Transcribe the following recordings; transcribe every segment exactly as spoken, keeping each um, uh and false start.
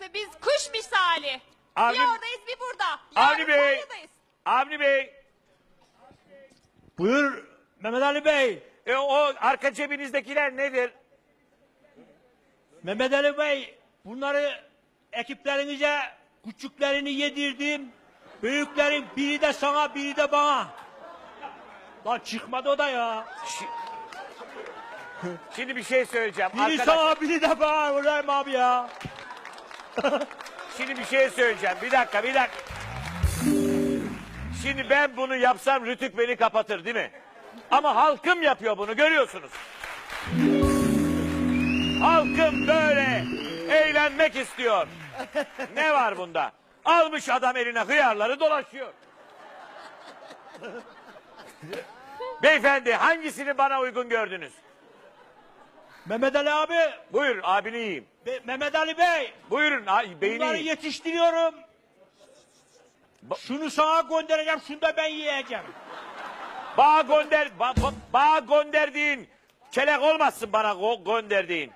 burası. Biz kuş misali. Avni- Bir oradayız bir burada. Avni Yarın Bey. Konya'dayız. Avni Bey. Buyur Mehmet Ali Bey. E, o arka cebinizdekiler nedir? Mehmet Ali Bey, bunları ekiplerinize küçüklerini yedirdim. Büyüklerin biri de sana, biri de bana. Lan çıkmadı o da ya. Şi- Şimdi bir şey söyleyeceğim. Biri Arkadaş, sana, biri de bana. Ulan abi ya. şimdi bir şey söyleyeceğim. Bir dakika, bir dakika. Şimdi ben bunu yapsam Rütük beni kapatır değil mi? Ama halkım yapıyor bunu, görüyorsunuz. Halkım böyle eğlenmek istiyor. Ne var bunda? Almış adam eline hıyarları dolaşıyor. Beyefendi, hangisini bana uygun gördünüz? Mehmet Ali abi, Buyurun, abini yiyeyim. Be- Mehmet Ali Bey. Buyurun, ay, beyni Bunları yiyeyim. yetiştiriyorum. Ba- Şunu sana göndereceğim, şunu da ben yiyeceğim. Bağ gönder, ba, ba, bağ gönderdiğin kelek olmazsın bana go- gönderdiğin.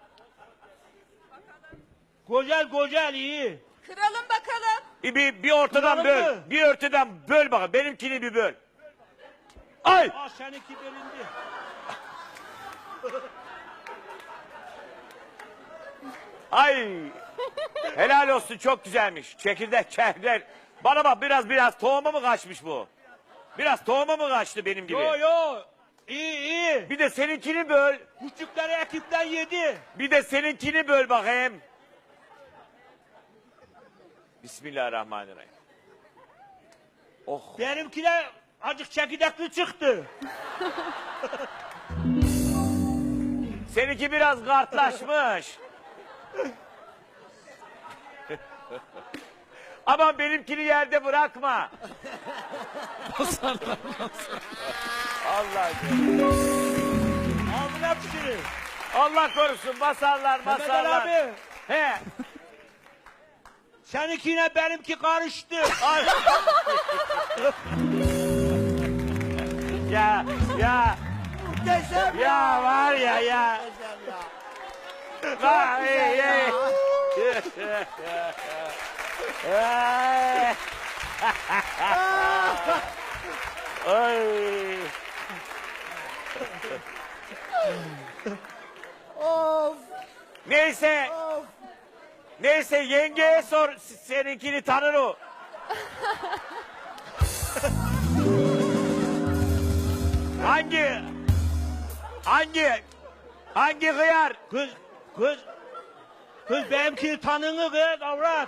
Güzel güzel iyi. Kıralım bakalım. Bir, bir, bir ortadan Kıralım böl, mı? bir ortadan böl bakalım. Benimkini bir böl. Ay! Aa seninki bölündü. Ay! Helal olsun, çok güzelmiş. Çekirdek, çekirdek. Bana bak, biraz biraz tohumu mu kaçmış bu? Biraz tohumu mu kaçtı benim gibi? Yo yo. İyi iyi. Bir de seninkini böl. Küçükleri ekipten yedi. Bir de seninkini böl bakayım. Bismillahirrahmanirrahim. Oh. Benimkiler azıcık çekirdekli çıktı. Seninki biraz kartlaşmış. Aman benimkini yerde bırakma. Allah Aldın hepsini. Allah korusun, basarlar Mehmet Ali basarlar. abi. He. Seninkiyle benimki karıştı. Ay. ya ya Muhteşem ya var ya ya. Muhteşem ya. Vay, ey, ey. Ay. Ay. Of Neyse, of. neyse yengeye sor, seninkini tanır o. hangi, hangi, hangi hıyar? Kız, kız. Kız benimkini tanını kız avrat.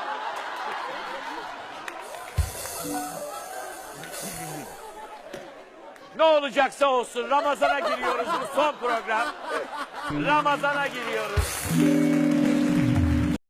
Ne olacaksa olsun, Ramazan'a giriyoruz, bu son program. Ramazan'a giriyoruz.